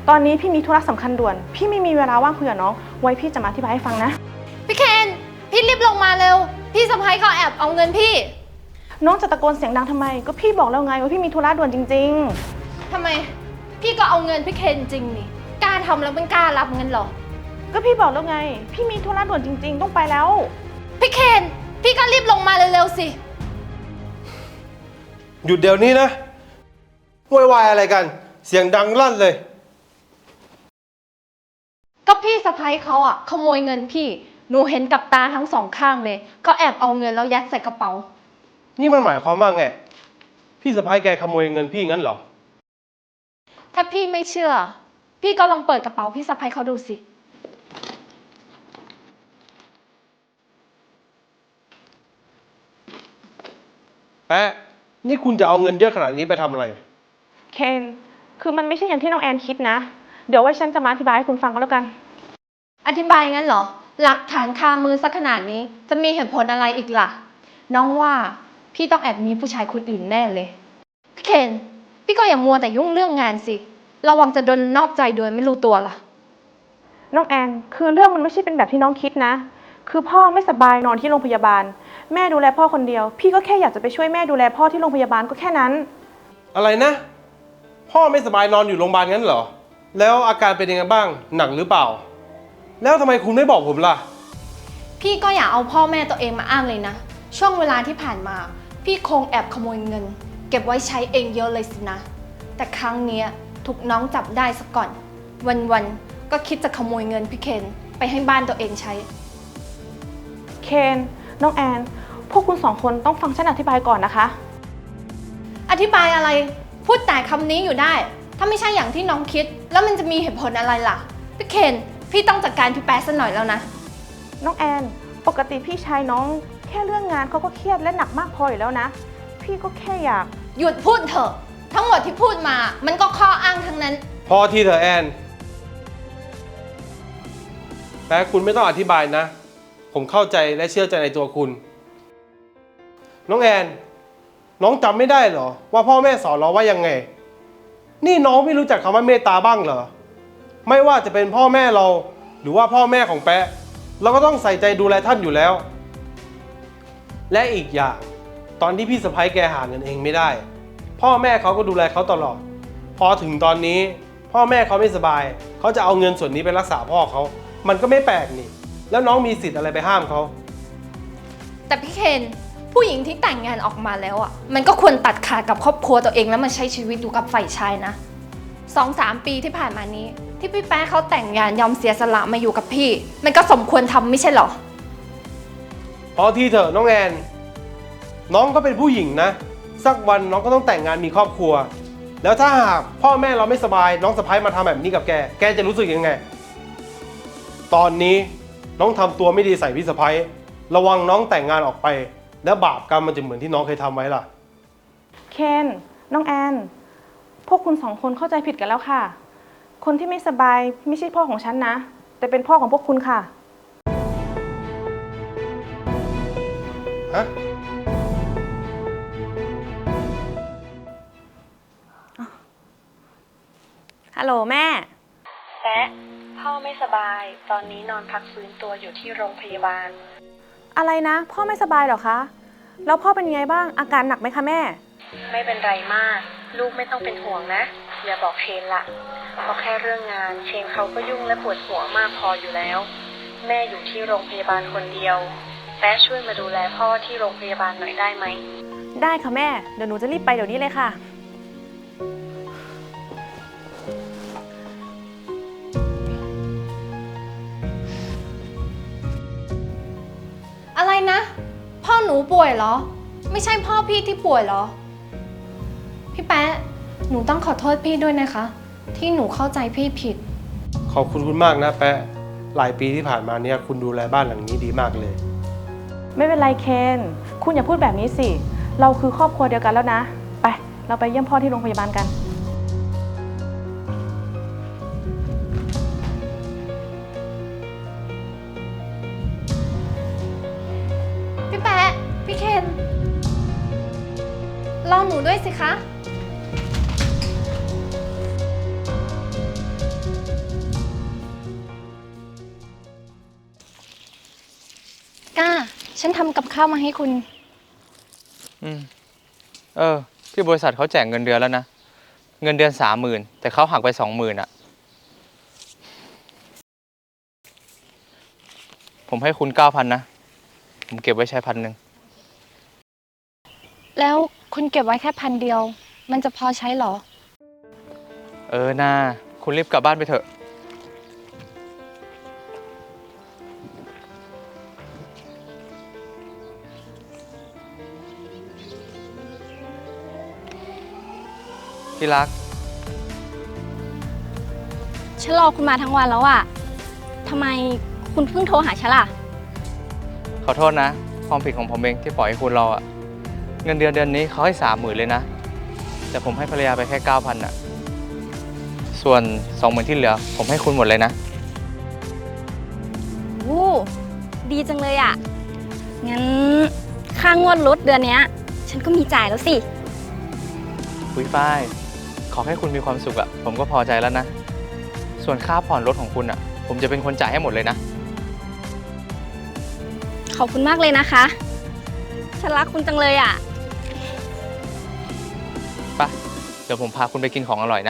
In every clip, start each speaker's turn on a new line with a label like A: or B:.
A: ตอนนี้พี่มีธุระสำคัญด่วน พี่ไม่มีเวลาว่างคุยกับน้อง ไว้พี่จะมาอธิบายให้ฟังนะ
B: พี่เคนพี่รีบลงมาเร็วพี่สะพ้ายเขาแอบเอาเงินพี่
A: น้องจะตะโกนเสียงดังทำไม ก็พี่บอกแล้วไงว่าพี่มีธุระด่วนจริง
B: ทำไมพี่ก็เอาเงินพี่เคนจริงนี่กล้าทำแล้วมันกล้ารับเงินหรอ
A: ก็พี่บอกแล้วไง พี่มีธุระด่วนจริงๆต้องไปแล้ว
B: พี่เคนพี่ก็รีบลงมาเร็วๆสิ
C: หยุดเดี๋ยวนี้นะโวยวายอะไรกันเสียงดังลั่นเลย
B: ก็พี่สะพ้ายเขาอะขโมยเงินพี่หนูเห็นกับตาทั้งสองข้างเลยก็แอบเอาเงินแล้วยัดใส่กระเป๋า
C: นี่มันหมายความว่าไงพี่สะพ้ายแกขโมยเงินพี่งั้นเหรอ
B: ถ้าพี่ไม่เชื่อพี่ก็ลองเปิดกระเป๋าพี่สะพ้ายเขาดูสิ
C: แป๊ะนี่คุณจะเอาเงินเยอะขนาดนี้ไปทำอะไร
A: เคนคือมันไม่ใช่อย่างที่น้องแอนคิดนะเดี๋ยวไว้ฉันจะมาอธิบายให้คุณฟังก็แล้วกัน
B: อธิบายงั้นเหรอหลักฐานคามือสักขนาดนี้จะมีเหตุผลอะไรอีกล่ะน้องว่าพี่ต้องแอบมีผู้ชายคนอื่นแน่เลยพี่เคนพี่ก็อย่ามัวแต่ยุ่งเรื่องงานสิระวังจะโดนนอกใจโดยไม่รู้ตัวล่ะ
A: น้องแอนคือเรื่องมันไม่ใช่เป็นแบบที่น้องคิดนะคือพ่อไม่สบายนอนที่โรงพยาบาลแม่ดูแลพ่อคนเดียวพี่ก็แค่อยากจะไปช่วยแม่ดูแลพ่อที่โรงพยาบาลก็แค่นั้น
C: อะไรนะพ่อไม่สบายนอนอยู่โรงพยาบาลงั้นเหรอแล้วอาการเป็นยังไงบ้างหนักหรือเปล่าแล้วทำไมคุณไม่บอกผมล่ะ
B: พี่ก็อย่าเอาพ่อแม่ตัวเองมาอ้างเลยนะช่วงเวลาที่ผ่านมาพี่คงแอบขโมยเงินเก็บไว้ใช้เองเยอะเลยสินะแต่ครั้งนี้ถูกน้องจับได้ซะก่อนวันๆก็คิดจะขโมยเงินพี่เคนไปให้บ้านตัวเองใช้
A: เคนน้องแอนพวกคุณสองคนต้องฟังฉันอธิบายก่อนนะคะ
B: อธิบายอะไรพูดแต่คำนี้อยู่ได้ถ้าไม่ใช่อย่างที่น้องคิดแล้วมันจะมีเหตุผลอะไรล่ะพี่เคนพี่ต้องจัดการพี่แป๊ะซะหน่อยแล้วนะ
A: น้องแอนปกติพี่ชายน้องแค่เรื่องงานเขาก็เครียดและหนักมากพออยู่แล้วนะพี่ก็แค่อยาก
B: หยุดพูดเถอะทั้งหมดที่พูดมามันก็ข้ออ้างทั้งนั้น
C: พอทีเถอะแอนแป๊ะคุณไม่ต้องอธิบายนะผมเข้าใจและเชื่อใจในตัวคุณน้องแอนน้องจำไม่ได้เหรอว่าพ่อแม่สอนเราว่ายังไงนี่น้องไม่รู้จักคำว่าเมตตาบ้างเหรอไม่ว่าจะเป็นพ่อแม่เราหรือว่าพ่อแม่ของแป๊ะเราก็ต้องใส่ใจดูแลท่านอยู่แล้วและอีกอย่างตอนที่พี่สะใภ้แกหาเงินเองไม่ได้พ่อแม่เขาก็ดูแลเขาตลอดพอถึงตอนนี้พ่อแม่เขาไม่สบายเขาจะเอาเงินส่วนนี้ไปรักษาพ่อเขามันก็ไม่แปลกนี่แล้วน้องมีสิทธิ์อะไรไปห้ามเขา
B: แต่พี่เคนผู้หญิงที่แต่งงานออกมาแล้วอ่ะมันก็ควรตัดขาดกับครอบครัวตัวเองแล้วมาใช้ชีวิตอยู่กับฝ่ายชายนะ2-3 ปีที่ผ่านมานี้ที่พี่แป๊ะเขาแต่งงานยอมเสียสละมาอยู่กับพี่มันก็สมควรทำไม่ใช่หรอ
C: พอทีเถอะน้องแอนน้องก็เป็นผู้หญิงนะสักวันน้องก็ต้องแต่งงานมีครอบครัวแล้วถ้าหากพ่อแม่เราไม่สบายน้องสะใภ้มาทำแบบนี้กับแกจะรู้สึกยังไงตอนนี้น้องทำตัวไม่ดีใส่พี่สะใภ้ระวังน้องแต่งงานออกไปแล้วบาปกรรมมันจะเหมือนที่น้องเคยทำไว้ล่ะ
A: เคนน้องแอนพวกคุณสองคนเข้าใจผิดกันแล้วค่ะคนที่ไม่สบายไม่ใช่พ่อของฉันนะแต่เป็นพ่อของพวกคุณค่ะ
C: ฮะ
A: ฮัลโหลแม่
D: แซะพ่อไม่สบายตอนนี้นอนพักฟื้นตัวอยู่ที่โรงพยาบาล
A: อะไรนะพ่อไม่สบายเหรอคะแล้วพ่อเป็นยังไงบ้างอาการหนักไหมคะแม่
D: ไม่เป็นไรมากลูกไม่ต้องเป็นห่วงนะอย่าบอกเชนละเพราะแค่เรื่องงานเชนเขาก็ยุ่งและปวดหัวมากพออยู่แล้วแม่อยู่ที่โรงพยาบาลคนเดียวแป๊ะช่วยมาดูแลพ่อที่โรงพยาบาลหน่อยได้ไหม
A: ได้ค่ะแม่เดี๋ยวหนูจะรีบไปเดี๋ยวนี้เลยค่ะ
B: อะไรนะพ่อหนูป่วยเหรอไม่ใช่พ่อพี่ที่ป่วยเหรอพี่แป๊ะหนูต้องขอโทษพี่ด้วยนะคะที่หนูเข้าใจพี่ผิด
C: ขอบคุณมากนะแป๊ะหลายปีที่ผ่านมาเนี่ยคุณดูแลบ้านหลังนี้ดีมากเลย
A: ไม่เป็นไรเคนคุณอย่าพูดแบบนี้สิเราคือครอบครัวเดียวกันแล้วนะไปเราไปเยี่ยมพ่อที่โรงพยาบาลกัน
B: พี่แป๊ะพี่เคนรอหนูด้วยสิคะฉันทำกับข้าวมาให้คุณ
E: ที่บริษัทเขาแจกเงินเดือนแล้วนะ เงินเดือน30,000แต่เขาหักไป20,000อ่ะ ผมให้คุณ9,000นะ ผมเก็บไว้ใช้1,000
B: แล้วคุณเก็บไว้แค่1,000เดียว มันจะพอใช้เหรอ
E: น่าคุณรีบกลับบ้านไปเถอะ ที่รัก
F: ฉันรอคุณมาทั้งวันแล้วอะทำไมคุณเพิ่งโทรหาฉันล่ะ
E: ขอโทษนะ ความผิดของผมเองที่ปล่อยให้คุณรออะเงินเดือนนี้เขาให้30,000เลยนะ แต่ผมให้ภรรยาไปแค่9,000อ่ะ ส่วน20,000ที่เหลือ ผมให้คุณหมดเลยนะ
F: โอ้ดีจังเลยอะงั้นค่างวดรถเดือนเนี้ย ฉันก็มีจ่ายแล้วสิ
E: คุยฝ้าย ขอให้คุณมีความสุขอะผมก็พอใจแล้วนะ ส่วนค่าผ่อนรถของคุณอะผมจะเป็นคนจ่ายให้หมดเลยนะ
F: ขอบคุณมากเลยนะคะ ฉันรักคุณจังเลยอะ
E: ไป เดี๋ยวผมพาคุณไปกินของอร่อยนะ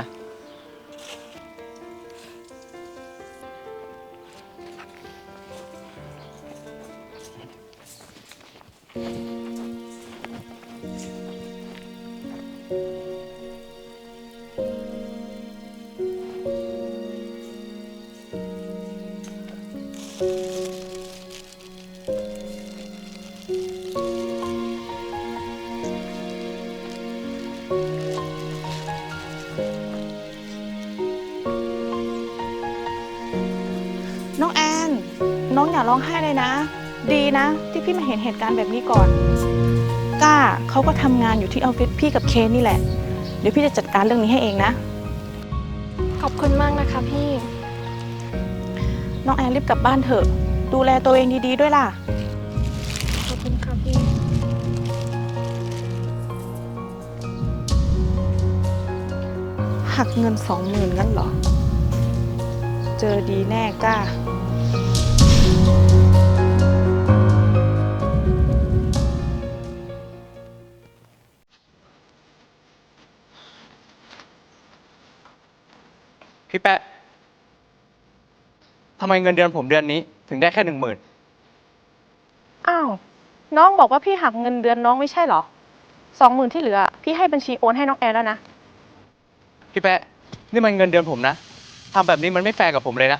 A: น้องแอน น้องอย่าร้องไห้เลยนะ ดีนะที่พี่มาเห็นเหตุการณ์แบบนี้ก่อนก้าเขาก็ทำงานอยู่ที่ออฟฟิศพี่กับเคนนี่แหละ เดี๋ยวพี่จะจัดการเรื่องนี้ให้เองนะ
B: ขอบคุณมากนะคะพี่
A: น้องแอนรีบกลับบ้านเถอะ ดูแลตัวเองดีๆด้วยล่ะ
B: ขอบคุณค่ะพี่
A: หักเงิน20,000งั้นเหรอ เจอดีแน่ก้า
E: พี่แปะทำไมเงินเดือนผมเดือนนี้ถึงได้แค่10,000
A: อ้าว น้องบอกว่าพี่หักเงินเดือนน้องไม่ใช่เหรอ20,000ที่เหลือ พี่ให้บัญชีโอนให้น้องแอนแล้วนะ
E: พี่แปะนี่มันเงินเดือนผมนะทำแบบนี้มันไม่แฟร์กับผมเลยนะ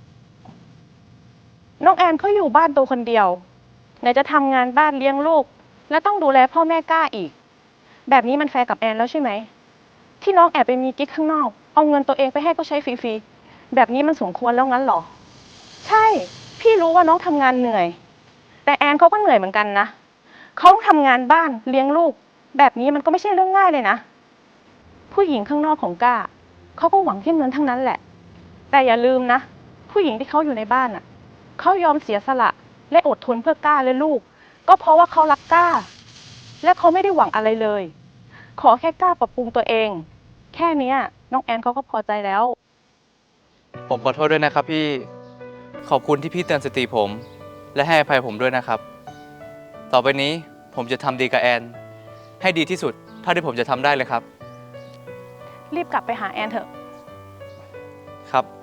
A: น้องแอนเขาอยู่บ้านตัวคนเดียวไหนจะทำงานบ้านเลี้ยงลูก และต้องดูแลพ่อแม่ก้าอีก แบบนี้มันแฟร์กับแอนแล้วใช่ไหม ที่น้องแอบไปมีกิ๊กข้างนอก เอาเงินตัวเองไปให้เขาใช้ฟรีๆ แบบนี้มันสมควรแล้วงั้นเหรอ ใช่ พี่รู้ว่าน้องทำงานเหนื่อย แต่แอนเขาก็เหนื่อยเหมือนกันนะ เขาทำงานบ้านเลี้ยงลูก แบบนี้มันก็ไม่ใช่เรื่องง่ายเลยนะ ผู้หญิงข้างนอกของก้าเขาก็หวังแค่เงินทั้งนั้นแหละ แต่อย่าลืมนะ ผู้หญิงที่เขาอยู่ในบ้านอ่ะ เขายอมเสียสละและอดทนเพื่อก้าและลูก ก็เพราะว่าเขารักก้า และเขาไม่ได้หวังอะไรเลย ขอแค่ก้าปรับปรุงตัวเอง แค่เนี้ยน้องแอนเขาก็พอใจแล้ว
E: ผมขอโทษด้วยนะครับพี่ ขอบคุณที่พี่เตือนสติผม และให้อภัยผมด้วยนะครับ ต่อไปนี้ผมจะทำดีกับแอน ให้ดีที่สุดเท่าที่ผมจะทำได้เลยครับ
A: รีบกลับไปหาแอนเถอะ
E: ครับ